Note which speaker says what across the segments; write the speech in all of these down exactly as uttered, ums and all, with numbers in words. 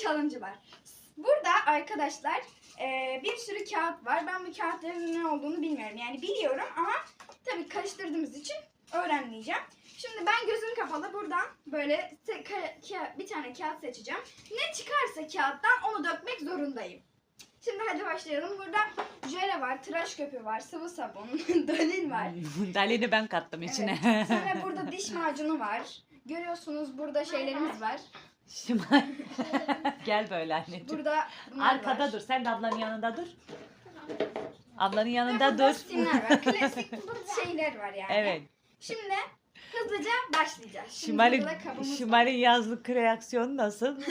Speaker 1: challenge'ı var. Burada arkadaşlar e, bir sürü kağıt var. Ben bu kağıtların ne olduğunu bilmiyorum. Yani biliyorum ama tabii karıştırdığımız için öğrenmeyeceğim. Şimdi ben gözüm kapalı buradan böyle bir tane kağıt seçeceğim. Ne çıkarsa kağıttan onu dökmek zorundayım. Şimdi hadi başlayalım. Burada jöle var, tıraş köpüğü var, sıvı sabun, dalil var.
Speaker 2: Dalili ben kattım içine.
Speaker 1: Evet. Sonra burada diş macunu var. Görüyorsunuz burada şeylerimiz var.
Speaker 2: Şimal. Gel böyle anneciğim.
Speaker 1: Burada bunlar
Speaker 2: Arkada
Speaker 1: var.
Speaker 2: dur. Sen de ablanın yanında dur. Ablanın yanında
Speaker 1: Ve burada
Speaker 2: dur.
Speaker 1: simler var. Klasik şeyler var yani.
Speaker 2: Evet.
Speaker 1: Şimdi hızlıca başlayacağız. Şimdi
Speaker 2: Şimal'in,
Speaker 1: burada kabımız var.
Speaker 2: Şimal'in yazlık reaksiyonu nasıl?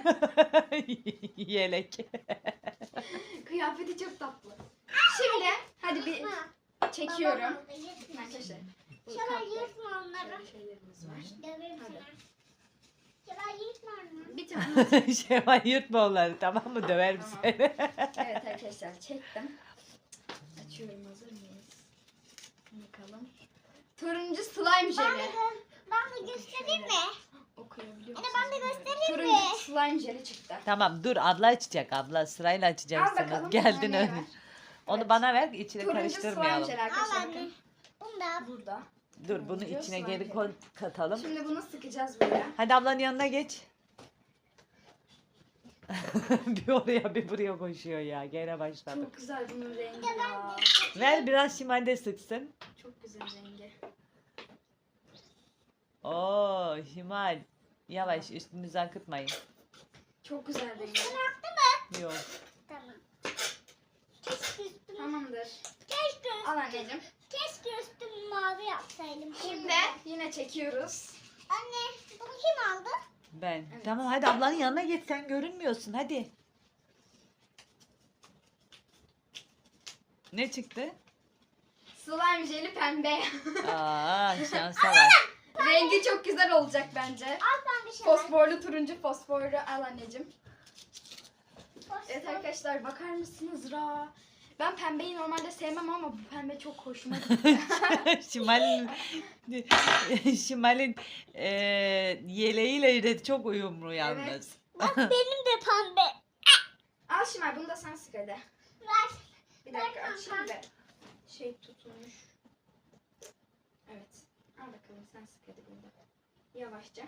Speaker 2: Yelek.
Speaker 1: Kıyafeti çok tatlı. Şimdi hadi bir çekiyorum. Arkadaşlar. bu
Speaker 3: Şöyle
Speaker 1: kapta
Speaker 3: yırtma onları.
Speaker 1: şöyle şeylerimiz var.
Speaker 3: Döverim
Speaker 1: Hadi.
Speaker 3: sana. Şöyle yırtma onları.
Speaker 1: Bir tane.
Speaker 2: Şevval yırtma onları, tamam mı? Döverim
Speaker 1: Tamam.
Speaker 2: seni.
Speaker 1: Evet arkadaşlar çektim. Açıyorum, hazır mıyız? Bakalım. Turuncu slime
Speaker 3: Ben
Speaker 1: jeli.
Speaker 3: de, ben de göstereyim mi?
Speaker 1: Okuyabiliyor
Speaker 3: Anne,
Speaker 1: musunuz
Speaker 3: ben de
Speaker 1: bilmiyorum.
Speaker 3: göstereyim mi?
Speaker 1: Turuncu slime jeli çıktı.
Speaker 2: Tamam dur, abla açacak, abla sırayla
Speaker 1: Al
Speaker 2: açacaksınız.
Speaker 1: bakalım.
Speaker 2: Geldin
Speaker 1: bana ne
Speaker 2: öyle.
Speaker 1: var?
Speaker 2: Onu
Speaker 1: Evet.
Speaker 2: bana ver, içine
Speaker 1: Turuncu slime
Speaker 2: karıştırmayalım.
Speaker 1: jeli
Speaker 3: Al
Speaker 1: arkadaşlar.
Speaker 3: anne.
Speaker 1: bakın.
Speaker 3: Bunu da al.
Speaker 1: Burada.
Speaker 2: Dur bunu
Speaker 1: Turuncu
Speaker 2: içine
Speaker 1: slime
Speaker 2: geri
Speaker 1: jeli.
Speaker 2: koy, katalım.
Speaker 1: Şimdi bunu sıkacağız buraya.
Speaker 2: Hadi ablanın yanına geç. Bir oraya bir buraya koşuyor ya. Gene başladık.
Speaker 1: Çok güzel bunun rengi ya.
Speaker 2: Ver biraz Şimal de sıksın.
Speaker 1: Çok güzel rengi.
Speaker 2: Oo Şimal. Yavaş, üstünüzü akıtmayın.
Speaker 1: Çok güzel rengi.
Speaker 2: Yok.
Speaker 3: Tamam. Keşke üstüm,
Speaker 1: Tamamdır.
Speaker 3: keşke,
Speaker 1: Al anneciğim.
Speaker 3: keşke üstümü mavi yapsaydım.
Speaker 1: Şimdi yine çekiyoruz.
Speaker 3: Anne, bunu kim aldı?
Speaker 2: Ben.
Speaker 1: Evet.
Speaker 2: Tamam hadi ablanın yanına geç, sen görünmüyorsun hadi. Ne çıktı?
Speaker 1: Slime jeli pembe.
Speaker 2: Aa şansa bak.
Speaker 1: Rengi çok güzel olacak bence.
Speaker 3: Al ben bir şey.
Speaker 1: Fosforlu, turuncu fosforlu. Al anneciğim.
Speaker 3: Fosfor.
Speaker 1: Evet arkadaşlar, bakar mısınız Ra? Ben pembeyi normalde sevmem ama bu pembe çok hoşuma gitti.
Speaker 2: Şimal'in Şimal'in e, yeleğiyle de çok uyumlu yalnız.
Speaker 1: Evet.
Speaker 3: Bak benim de pembe.
Speaker 1: Al Şimal, bunu da sen sık hadi.
Speaker 3: Ver.
Speaker 1: Bir dakika
Speaker 3: Ver
Speaker 1: açayım
Speaker 3: kanka.
Speaker 1: da. Şey tutulmuş. Evet. Al bakalım, sen sık hadi bunu da. Yavaşça.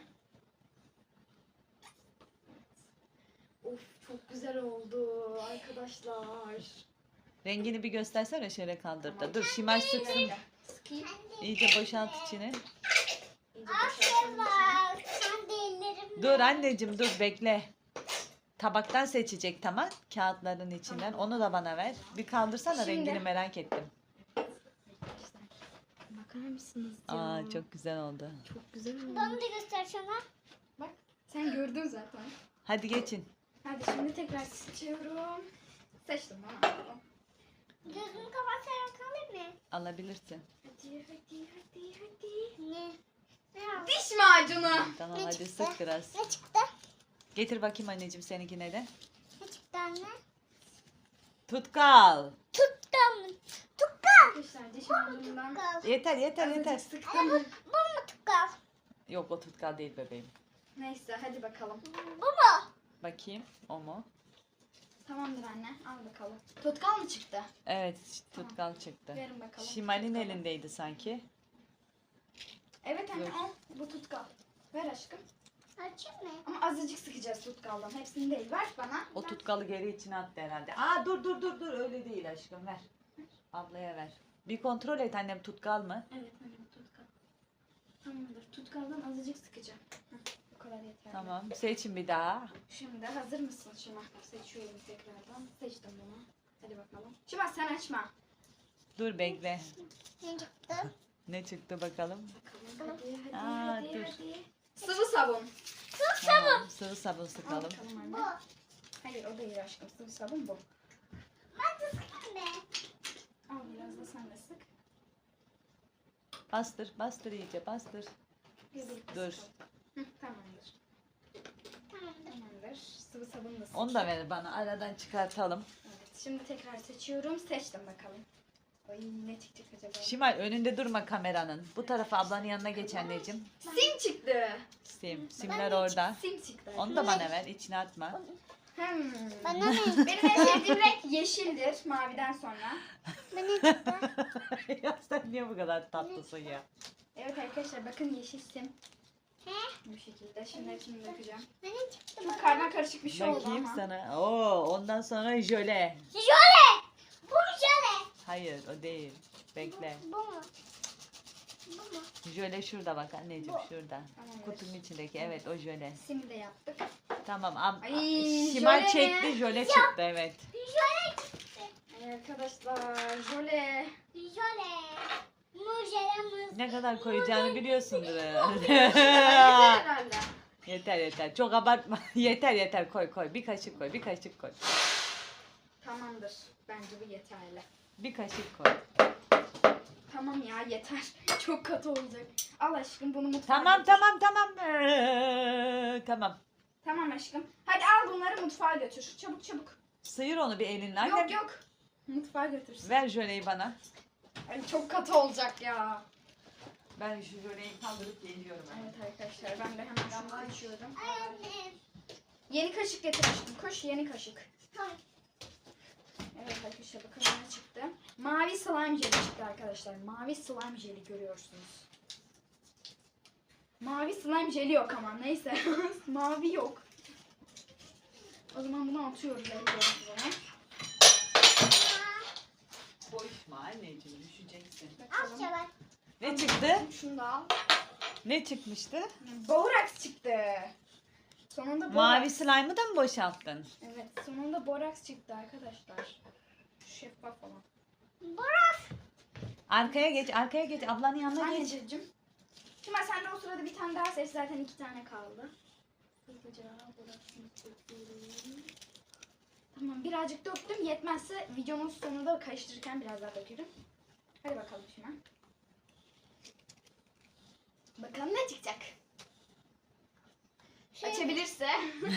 Speaker 1: Evet. Of, çok güzel oldu arkadaşlar.
Speaker 2: Rengini bir göstersene, şöyle kaldır da.
Speaker 1: Tamam.
Speaker 2: Dur Şimal
Speaker 1: Bir
Speaker 2: sıksın.
Speaker 1: dakika. Sıkayım.
Speaker 2: İyice boşalt içini.
Speaker 1: İyice boşaltalım içini.
Speaker 3: Bak sen de ellerimle.
Speaker 2: Dur anneciğim dur, bekle. Tabaktan seçecek, tamam. Kağıtların içinden. Onu da bana ver. Bir kaldırsana,
Speaker 1: Şimdi-
Speaker 2: rengini merak ettim.
Speaker 1: Arkadaşlar, bakar mısınız ya?
Speaker 2: Aa çok güzel oldu.
Speaker 1: Çok güzel oldu.
Speaker 3: Bana da göster sana.
Speaker 1: Bak, sen gördün zaten.
Speaker 2: Hadi geçin.
Speaker 1: Hadi şimdi tekrar seçiyorum. Seçtim bana.
Speaker 3: Gözümü kapatarak alayım mı?
Speaker 2: Alabilirsin.
Speaker 1: Hadi hadi hadi hadi.
Speaker 3: Ne? Ne aldın?
Speaker 1: Diş macunu.
Speaker 2: Tamam
Speaker 3: Ne
Speaker 2: hadi
Speaker 3: çıktı?
Speaker 2: sık biraz.
Speaker 3: Ne çıktı?
Speaker 2: Getir bakayım anneciğim seninkine de.
Speaker 3: Ne çıktı anne?
Speaker 2: Tutkal.
Speaker 3: Tuttum. Tutkal.
Speaker 1: Arkadaşlar diş macunundan
Speaker 3: Tutkal.
Speaker 2: Yeter yeter yeter.
Speaker 1: azıcık sıktım.
Speaker 3: Bu mu tutkal?
Speaker 2: Yok o tutkal değil bebeğim.
Speaker 1: Neyse hadi bakalım.
Speaker 3: Bu mu?
Speaker 2: Bakayım o mu?
Speaker 1: Tamamdır anne, al bakalım. Tutkal mı çıktı?
Speaker 2: Evet tutkal çıktı.
Speaker 1: Verin bakalım.
Speaker 2: Şimal'in
Speaker 1: tutkalı.
Speaker 2: elindeydi sanki.
Speaker 1: Evet anne,
Speaker 2: Dur.
Speaker 1: al. Bu tutkal. Ver aşkım.
Speaker 3: Açayım mı?
Speaker 1: Ama azıcık sıkacağız tutkaldan. Hepsini değil. Ver bana.
Speaker 2: O tutkalı geri içine attı herhalde. Aa dur dur dur dur, öyle değil aşkım, ver. Ablaya ver. Bir kontrol et annem, tutkal mı?
Speaker 1: Evet anne, bu tutkal. Tamamdır. Tutkaldan azıcık sıkacağım. Heh, bu kadar yeter.
Speaker 2: Tamam seçin bir daha.
Speaker 1: Şimdi hazır mısın Şima? Seçiyorum tekrardan. Seçtim bunu. Hadi bakalım. Şima sen açma.
Speaker 2: Dur bekle.
Speaker 3: Ne çıktı?
Speaker 2: Ne çıktı bakalım.
Speaker 1: Bakalım hadi hadi
Speaker 2: Aa,
Speaker 1: hadi
Speaker 2: dur.
Speaker 1: hadi. Sıvı sabun.
Speaker 2: Tamam, sıvı sabun
Speaker 1: Al
Speaker 2: sıkalım.
Speaker 1: bakalım
Speaker 3: Bu.
Speaker 1: anne. Hayır o değil aşkım. Sıvı sabun bu.
Speaker 3: Ben de sıkayım mı?
Speaker 1: Al biraz da sen de sık.
Speaker 2: Bastır bastır iyice bastır.
Speaker 1: Birlikte
Speaker 2: Dur.
Speaker 1: sıkalım. Hı, tamamdır.
Speaker 3: Tamamdır.
Speaker 1: Tamamdır. Sıvı sabun da sık.
Speaker 2: Onu da ver bana, aradan çıkartalım.
Speaker 1: Evet. Şimdi tekrar seçiyorum. Seçtim bakalım. Ay ne çıkacak acaba?
Speaker 2: Şimal önünde durma kameranın. Bu tarafa ablanın yanına geç anneciğim.
Speaker 1: Sim çıktı.
Speaker 2: Sim. Simler orada.
Speaker 1: Sim çıktı.
Speaker 2: Onu da bana ver. İçine atma.
Speaker 1: Hmm.
Speaker 3: Bana ne?
Speaker 1: Benim en sevdiğim renk yeşildir maviden sonra.
Speaker 3: Bana ne çıktı?
Speaker 2: Ya sen niye bu kadar tatlısın ya?
Speaker 1: Evet arkadaşlar bakın yeşil sim.
Speaker 3: He?
Speaker 1: Bu şekilde. Şimdi hepsini dökeceğim.
Speaker 3: Bana ne çıktı?
Speaker 1: Çok karma karışık bir şey oldu
Speaker 2: Bakayım
Speaker 1: ama.
Speaker 2: sana. Oo, ondan sonra jöle.
Speaker 3: Jöle! Bu jöle.
Speaker 2: Hayır o değil. Bekle.
Speaker 3: Bu mu? Bu mu?
Speaker 2: Jöle şurada bak anneciğim şurada.
Speaker 1: Tamam,
Speaker 2: Kutunun içindeki evet o jöle.
Speaker 1: Simi de yaptık.
Speaker 2: Tamam. Am
Speaker 1: Ay,
Speaker 2: Şimal
Speaker 1: jöle
Speaker 2: çekti
Speaker 1: mi?
Speaker 2: jöle çıktı evet.
Speaker 3: Jöle çıktı.
Speaker 1: Ay arkadaşlar jöle.
Speaker 3: Jöle. Bu jöle mi?
Speaker 2: Ne kadar koyacağını biliyorsundur herhalde.
Speaker 1: Yeter herhalde.
Speaker 2: Yeter yeter. Çok abartma. yeter yeter koy koy. Bir kaşık koy. Bir kaşık koy.
Speaker 1: Tamamdır. Bence bu yeterli.
Speaker 2: Bir kaşık koy.
Speaker 1: Tamam ya yeter. Çok katı olacak. Al aşkım bunu mutfağa
Speaker 2: Tamam
Speaker 1: götür.
Speaker 2: tamam tamam. Ee, tamam.
Speaker 1: Tamam aşkım. Hadi al bunları mutfağa götür. Çabuk çabuk.
Speaker 2: Sıyır onu bir elinle. Annem.
Speaker 1: Yok yok. Mutfağa götürsün.
Speaker 2: Ver jöleyi bana.
Speaker 1: Ay, çok katı olacak ya.
Speaker 2: Ben şu jöleyi kaldırıp geliyorum.
Speaker 1: Evet arkadaşlar ben de hemen şunu açıyorum.
Speaker 3: Ay anne.
Speaker 1: Yeni kaşık getir aşkım. Koş yeni kaşık.
Speaker 3: Tamam.
Speaker 1: Evet arkadaşlar bakın ne çıktı. Mavi slime jeli çıktı arkadaşlar. Mavi slime jeli görüyorsunuz. Mavi slime jeli yok ama neyse. Mavi yok. O zaman bunu atıyoruz ellerimize.
Speaker 2: Koşma anneciğim düşeceksin.
Speaker 3: Al
Speaker 1: Bakalım.
Speaker 3: şöyle.
Speaker 2: Ne çıktı?
Speaker 1: Şunu da al.
Speaker 2: Ne çıkmıştı?
Speaker 1: Boraks çıktı. Sonunda boraks.
Speaker 2: Mavi slime'ı da mı boşalttın?
Speaker 1: Evet sonunda boraks çıktı arkadaşlar. Şeffaf olan.
Speaker 2: Arkaya geç, arkaya geç. Ablanın yanına geç.
Speaker 1: Anneciğim. Şimdi sen de o sırada bir tane daha seç. Zaten iki tane kaldı. Hızlıca boraksını döküyorum. Tamam birazcık döktüm. Yetmezse videonun sonunda karıştırırken biraz daha döküyorum. Hadi bakalım şimdi. Bakalım ne çıkacak.
Speaker 3: Şey-
Speaker 1: Açabilirse.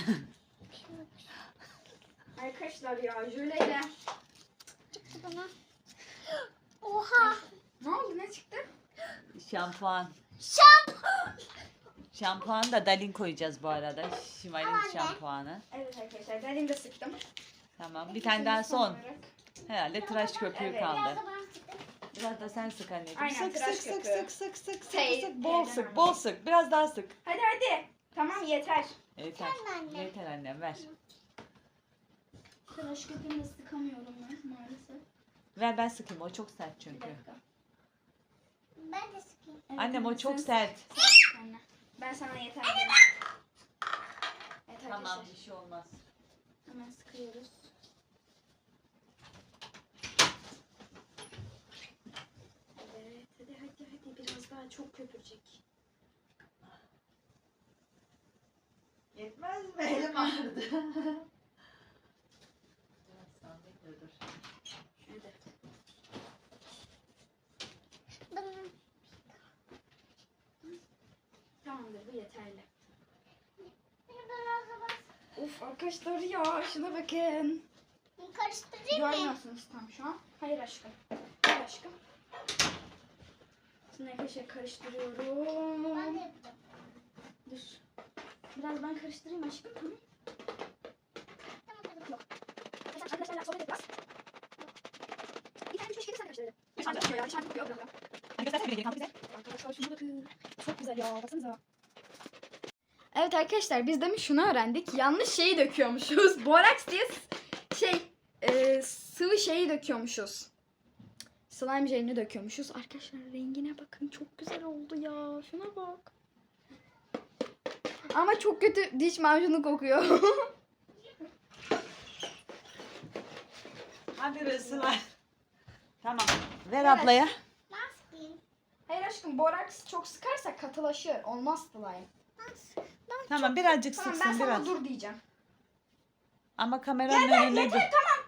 Speaker 1: Arkadaşlar ya jöleyle.
Speaker 3: Çıktı bana. Oha.
Speaker 1: Ne oldu ne çıktı?
Speaker 2: Şampuan.
Speaker 3: Şampuan.
Speaker 2: Şampuan da Dalin koyacağız bu arada. Şimal'in
Speaker 3: Anne.
Speaker 2: şampuanı.
Speaker 1: Evet arkadaşlar ben de sıktım.
Speaker 2: Tamam. Bir tane daha son.
Speaker 1: olarak.
Speaker 2: Herhalde tıraş köpüğü
Speaker 1: Evet.
Speaker 2: kaldı.
Speaker 3: Biraz da bana çıktı.
Speaker 2: Biraz da sen sık anneciğim.
Speaker 1: Aynen,
Speaker 2: sık
Speaker 1: tıraş
Speaker 2: sık sık
Speaker 1: köpüğü.
Speaker 2: sık sık sık sık
Speaker 1: Şey,
Speaker 2: sık. Bol
Speaker 1: elden
Speaker 2: sık, bol sık. Biraz daha sık.
Speaker 1: Hadi hadi. Tamam yeter.
Speaker 2: Yeter.
Speaker 3: Sen de anne.
Speaker 2: Yeter annem ver.
Speaker 1: Tıraş köpüğünü sıkamıyorum ben maalesef.
Speaker 2: Ver ben sıkayım. O çok sert
Speaker 1: Bir
Speaker 2: çünkü.
Speaker 1: dakika.
Speaker 3: Ben de sıkayım.
Speaker 1: Evet,
Speaker 2: Annem
Speaker 1: anne,
Speaker 2: o çok
Speaker 1: sen-
Speaker 2: sert.
Speaker 1: sen sık anne. Ben sana yeter derim. Evet
Speaker 2: Tamam
Speaker 1: arkadaşlar.
Speaker 2: bir şey olmaz.
Speaker 1: Hemen sıkıyoruz. Evet hadi hadi hadi biraz daha çok köpürecek.
Speaker 2: Yetmez mi? Elim ağrıdı. Biraz sabit dur.
Speaker 1: Hadi.
Speaker 3: Bana.
Speaker 1: Tamamdır bu yeterli.
Speaker 3: Biraz da bas.
Speaker 1: Of arkadaşlar ya şuna bakın.
Speaker 3: Karıştırayım mı?
Speaker 1: Görmüyorsunuz tam şu an. Hayır aşkım. Hayır aşkım. Şimdi arkadaşlar karıştırıyorum.
Speaker 3: Ben de yapacağım.
Speaker 1: Dur. Biraz ben karıştırayım aşkım. Tamam.
Speaker 3: Tamam kızım.
Speaker 1: Yok. Arkadaşlarla sohbet et biraz. Bir tane üç beş kere sen karıştırdın. Dışarıda tutuyor ya. Dışarıda tutuyor. Bırak.
Speaker 2: Hadi göstersene bir bize.
Speaker 1: Arkadaşlar şuna bakın. Çok güzel ya. Baksanıza. Evet arkadaşlar biz demin şunu öğrendik. Yanlış şeyi döküyormuşuz. Boraks diye s- şey e, sıvı şeyi döküyormuşuz. Slime jelini döküyormuşuz. Arkadaşlar rengine bakın. Çok güzel oldu ya. Şuna bak. Ama çok kötü diş macunu kokuyor.
Speaker 2: Hadi Resul'a. Tamam. Ver
Speaker 1: Evet.
Speaker 2: ablaya.
Speaker 3: Ben sıkayım.
Speaker 1: Hayır aşkım boraks çok sıkarsak katılaşır. Olmaz slime.
Speaker 3: Ben sık-
Speaker 2: Tamam birazcık
Speaker 1: Tamam ben
Speaker 2: sıksın
Speaker 1: sana
Speaker 2: biraz.
Speaker 1: dur diyeceğim.
Speaker 2: Ama kameranın önünde dur.
Speaker 1: Tamam.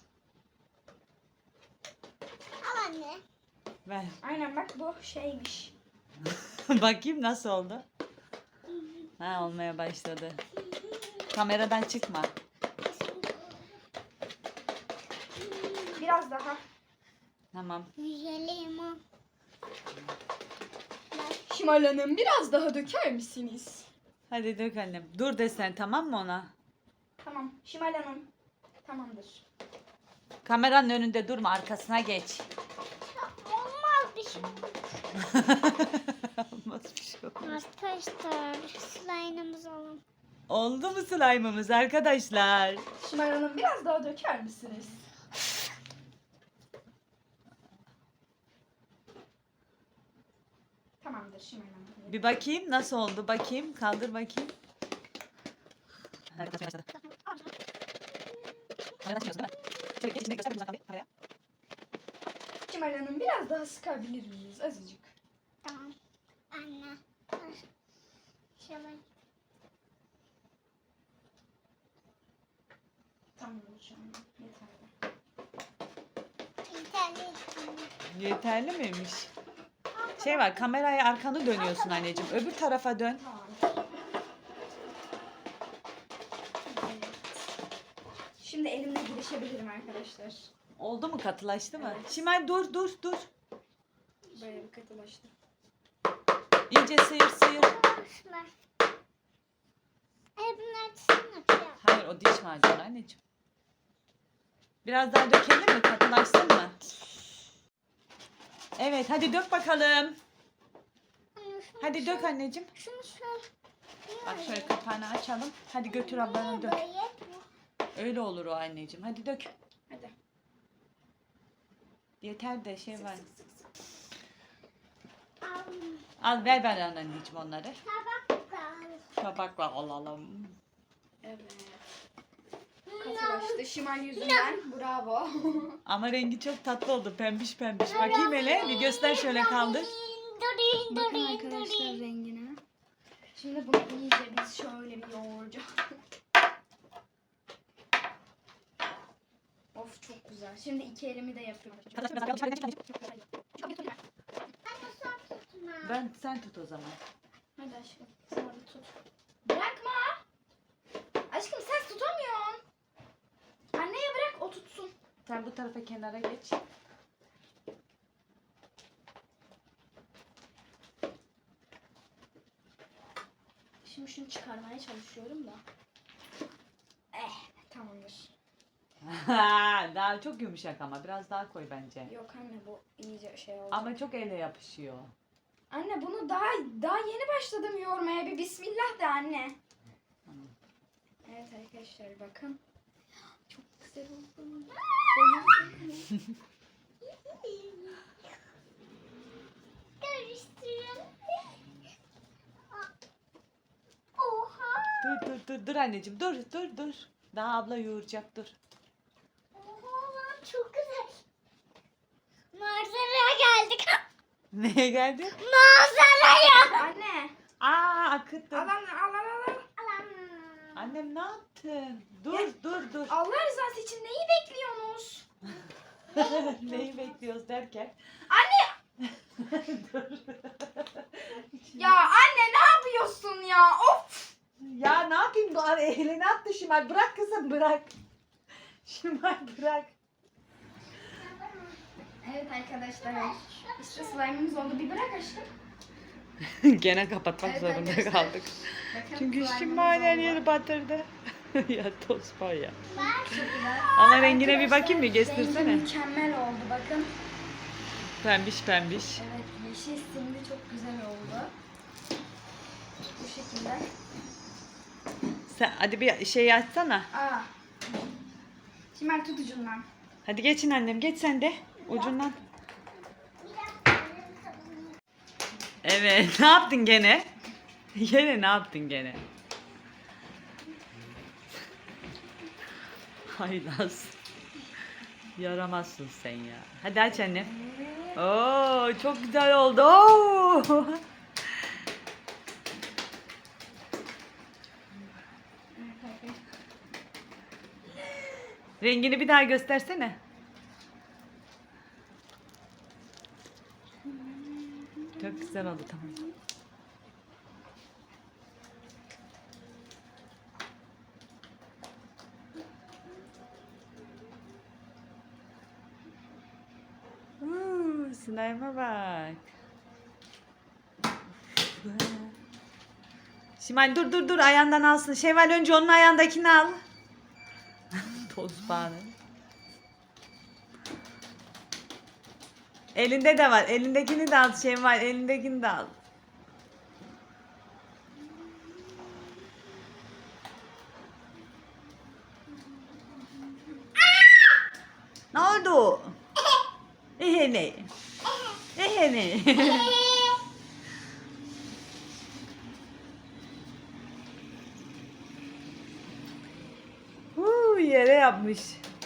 Speaker 3: Al anne.
Speaker 2: Ver.
Speaker 1: Aynen bak bu şeymiş.
Speaker 2: Bakayım nasıl oldu. Ha olmaya başladı. Kameradan çıkma.
Speaker 1: Biraz daha.
Speaker 2: Tamam.
Speaker 3: Limon.
Speaker 1: Şimal Hanım biraz daha döker misiniz?
Speaker 2: Hadi dök annem. Dur desen tamam mı ona?
Speaker 1: Tamam Şimal Hanım. Tamamdır.
Speaker 2: Kameranın önünde durma, arkasına geç.
Speaker 3: Olmaz bir şey.
Speaker 2: Olmaz bir şey olmaz.
Speaker 3: Arkadaşlar slime'ımız alalım.
Speaker 2: Oldu mu slime'ımız arkadaşlar?
Speaker 1: Şimal Hanım biraz daha döker misiniz? Tamamdır Şimal Hanım.
Speaker 2: Bir bakayım nasıl oldu, bakayım. Kaldır bakayım.
Speaker 1: Şimal Hanım biraz daha sıkabilir miyiz azıcık?
Speaker 3: Tamam. Anne. Şöyle.
Speaker 1: Tamamdır şu an. Yeterli.
Speaker 3: İnternet.
Speaker 2: Yeterli miymiş? Şey var, kameraya arkanı dönüyorsun anneciğim. Öbür tarafa dön.
Speaker 1: Tamam. Evet. Şimdi elimle girişebilirim arkadaşlar.
Speaker 2: Oldu mu, katılaştı mı?
Speaker 1: Evet.
Speaker 2: Şimal dur dur dur.
Speaker 1: Bayağı bir katılaştı.
Speaker 2: İyice sıyır sıyır.
Speaker 3: Arkadaşlar. Ay bunlar çizim yapıyor.
Speaker 2: Hayır, o diş macunu anneciğim. Biraz daha dökelim mi? Katılaşsın mı? Evet, hadi dök bakalım.
Speaker 3: Anne, şunu
Speaker 2: Hadi
Speaker 3: şöyle-
Speaker 2: dök anneciğim.
Speaker 3: Şunu şöyle.
Speaker 2: Bak şöyle kapağını açalım. Hadi götür ablana dök.
Speaker 3: Böyle.
Speaker 2: Öyle olur o anneciğim. Hadi dök.
Speaker 1: Hadi.
Speaker 2: Yeter de şey var.
Speaker 3: Al.
Speaker 2: Al ver ben anneciğim onları.
Speaker 3: Tabak da.
Speaker 2: Tabak var alalım.
Speaker 1: Evet. Katılaştı. Şimal yüzünden. Bravo.
Speaker 2: Ama rengi çok tatlı oldu. Pembiş pembiş. Bakayım hele. Bir göster şöyle kaldır.
Speaker 3: Durin
Speaker 1: Bakın
Speaker 3: durin
Speaker 1: arkadaşlar
Speaker 3: durin.
Speaker 1: rengine. Şimdi bunu iyice biz şöyle bir yoğuracağız. Of çok güzel. Şimdi iki elimi de yapıyorum.
Speaker 3: Anne sen tutma.
Speaker 2: Ben sen tut o zaman.
Speaker 1: Hadi aşkım. Sen orada tut. Bırakma. Aşkım sen tutamıyorsun. Anneye bırak o tutsun.
Speaker 2: Sen bu tarafa kenara geç.
Speaker 1: Şimdi şunu çıkarmaya çalışıyorum da. Eh tamamdır.
Speaker 2: Daha çok yumuşak ama biraz daha koy bence.
Speaker 1: Yok anne bu iyice şey oldu.
Speaker 2: Ama çok ele yapışıyor.
Speaker 1: Anne bunu daha daha yeni başladım yoğurmaya. Bir bismillah de anne.
Speaker 2: Tamam.
Speaker 1: Evet arkadaşlar bakın. Çok güzel oldu.
Speaker 3: Karıştıralım. Oha.
Speaker 2: Dur dur dur dur anneciğim dur dur dur. Daha abla yoğuracak dur.
Speaker 3: Oha lan çok güzel. Manzaraya geldik.
Speaker 2: Neye geldi?
Speaker 3: Manzaraya.
Speaker 1: Anne.
Speaker 2: Aa akıttı.
Speaker 1: Al anne al al al. al.
Speaker 3: Alam.
Speaker 2: Annem ne yaptın? Dur dur dur.
Speaker 1: Allah rızası için neyi bekliyorsunuz?
Speaker 2: Neyi bekliyoruz derken?
Speaker 1: Anne.
Speaker 2: Dur.
Speaker 1: Ya anne ne yapıyorsun ya? Of.
Speaker 2: Ya ne yapayım bu ara elini attı Şimal. Bırak kızım bırak. Şimal bırak.
Speaker 1: Evet arkadaşlar. İşte slime'ımız oldu. Bir bırak aşkım.
Speaker 2: Gene kapatmak
Speaker 1: Evet
Speaker 2: zorunda
Speaker 1: arkadaşlar.
Speaker 2: kaldık.
Speaker 1: Bakın
Speaker 2: Çünkü
Speaker 1: slime'ımız
Speaker 2: Şimal her
Speaker 1: oldu.
Speaker 2: yeri batırdı. Ya toz var ya.
Speaker 1: Çok güzel.
Speaker 2: Ama rengine bir
Speaker 1: Arkadaşlar,
Speaker 2: bakayım bir
Speaker 1: rengi
Speaker 2: göstersene.
Speaker 1: mükemmel oldu bakın.
Speaker 2: Pembiş pembiş.
Speaker 1: Evet yeşil simli çok güzel oldu. Bu şekilde.
Speaker 2: Sen hadi bir şey açsana.
Speaker 1: Aa. Şimal tut ucundan.
Speaker 2: Hadi geçin annem geç sen de ucundan. Evet ne yaptın gene? Gene ne yaptın gene? Haylaz. Yaramazsın sen ya. Hadi aç annem. Oo çok güzel oldu. Oo. Rengini bir daha göstersene. Çok güzel oldu tamam. slime'a bak. Şimal dur dur dur ayağından alsın. Şevval önce onun ayağındakini al. Toz bağını. Elinde de var. Elindekini de al Şevval. Elindekini de al. Ne oldu? Ehene. Ehene. Huu, yere yapmış.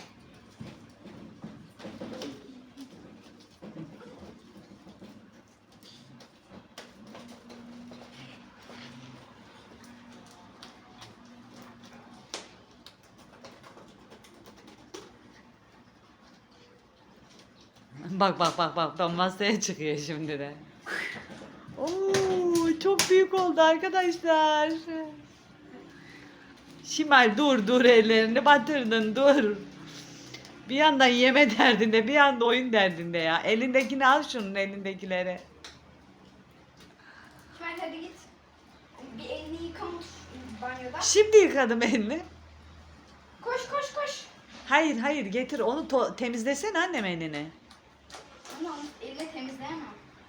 Speaker 2: Bak bak bak bak ben masaya çıkıyor şimdi de. Oo, çok büyük oldu arkadaşlar. Şimal dur dur ellerini batırdın dur. Bir yandan yeme derdinde bir yanda oyun derdinde ya. Elindekini al şunun elindekileri.
Speaker 1: Şimal hadi git. Bir elini yıka mut- banyoda.
Speaker 2: Şimdi yıkadım elini.
Speaker 1: Koş koş koş.
Speaker 2: Hayır hayır getir onu to- temizlesene annem elini.
Speaker 1: Ama onu elle temizleyemem.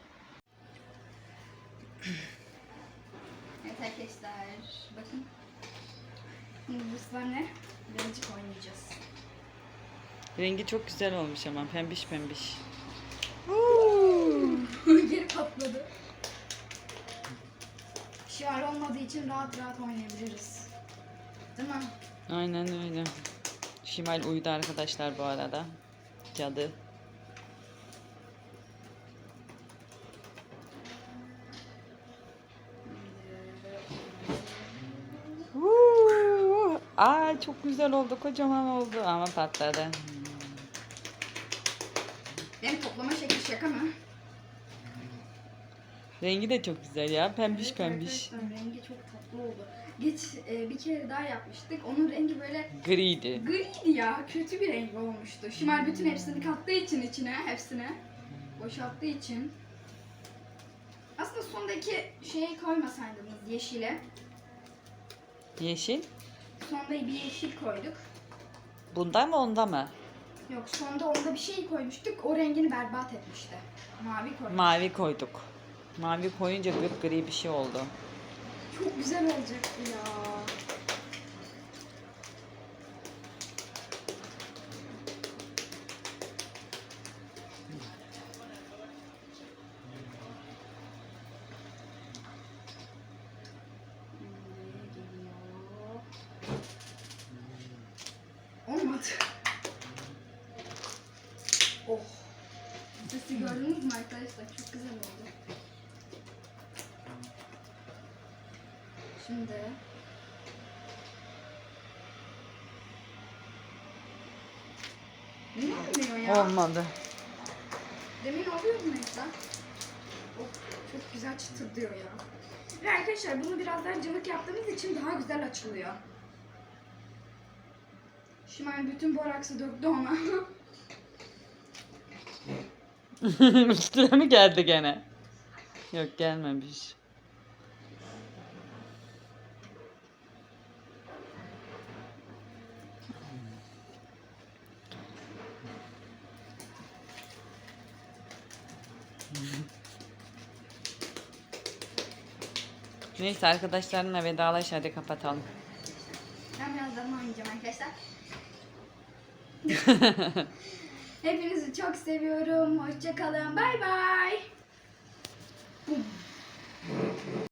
Speaker 1: Evet arkadaşlar bakın. Şimdi bu sefer ne? Birazcık oynayacağız.
Speaker 2: Rengi çok güzel olmuş ama pembiş pembiş.
Speaker 1: Geri patladı. Şiar olmadığı için rahat rahat oynayabiliriz. Değil mi?
Speaker 2: Aynen öyle. Şimal uyudu arkadaşlar bu arada. Cadı. Huu! Aa çok güzel oldu, kocaman oldu ama patladı.
Speaker 1: Benim toplama şekli şaka mı?
Speaker 2: Rengi de çok güzel ya, pembiş
Speaker 1: Evet
Speaker 2: pembiş.
Speaker 1: arkadaşlar, rengi çok tatlı oldu. Geç e, bir kere daha yapmıştık. Onun rengi böyle
Speaker 2: Griydi.
Speaker 1: griydi ya. Kötü bir renk olmuştu. Şimal bütün hepsini kattığı için içine, hepsine boşalttığı için. Aslında sondaki şeyi koymasaydınız yeşile.
Speaker 2: Yeşil.
Speaker 1: Sonda bir yeşil koyduk.
Speaker 2: Bunda mı onda mı?
Speaker 1: Yok sonda onda bir şey koymuştuk. O rengini berbat etmişti. Mavi koyduk.
Speaker 2: Mavi koyduk. Mavi koyunca gri bir şey oldu.
Speaker 1: Çok güzel olacaktı ya. Olmadı. Oh. Sesi gördünüz mü arkadaşlar? Çok güzel oldu. Şimdi Niye olmuyor ya?
Speaker 2: Olmadı.
Speaker 1: Demin oluyor mu mesela? Oh, çok güzel çıtır diyor ya. Ve arkadaşlar bunu biraz daha cıvık yaptığımız için daha güzel açılıyor. Şimal bütün boraksı döktü ona.
Speaker 2: Üstüne mi geldi gene? Yok gelmemiş. Neyse arkadaşlarımla vedalaş hadi kapatalım.
Speaker 1: Ben birazdan oynayacağım arkadaşlar. Hepinizi çok seviyorum. Hoşça kalın. Bay bay.